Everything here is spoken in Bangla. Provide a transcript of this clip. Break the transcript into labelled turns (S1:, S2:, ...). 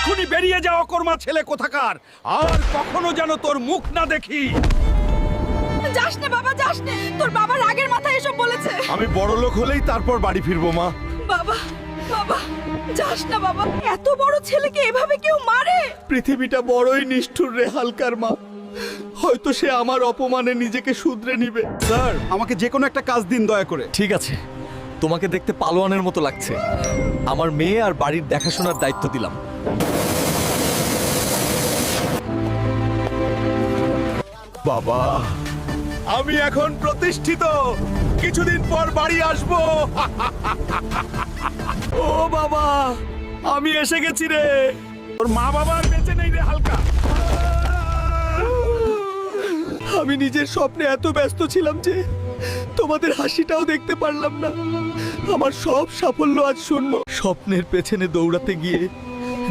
S1: এক্ষুনি বেরিয়ে যাও কর্মা ছেলে কোথাকার, আর কখনো যেন তোর মুখ না দেখি।
S2: যাস না বাবা, যাস না, তোর বাবা রাগের মাথায় এসব বলেছে।
S3: আমি বড় লোক হলেই তারপর বাড়ি ফিরবো মা।
S2: বাবা বাবা, যাস না বাবা, এত বড় ছেলেকে এভাবে কেউ মারে?
S3: পৃথিবীটা বড়ই নিষ্ঠুর রে হালকার মা। হয়তো সে আমার অপমানে নিজেকে শুধরে নিবে।
S1: স্যার, আমাকে যে কোনো একটা কাজ দিন দয়া করে।
S4: ঠিক আছে, তোমাকে দেখতে পালোয়ানের মতো লাগছে। আমার মেয়ে আর বাড়ির দেখাশোনার দায়িত্ব দিলাম।
S3: বাবা, আমি এখন প্রতিষ্ঠিত, কিছুদিন পর বাড়ি আসবো।
S4: ও বাবা, আমি এসে গেছি রে।
S1: তোর মা বাবা আর বেঁচে নেই রে হালকা।
S3: আমি নিজের স্বপ্নে এত ব্যস্ত ছিলাম যে তোমাদের হাসিটাও দেখতে পারলাম না। আমার সব সাফল্য আজ শূন্য। স্বপ্নের পেছনে দৌড়াতে গিয়ে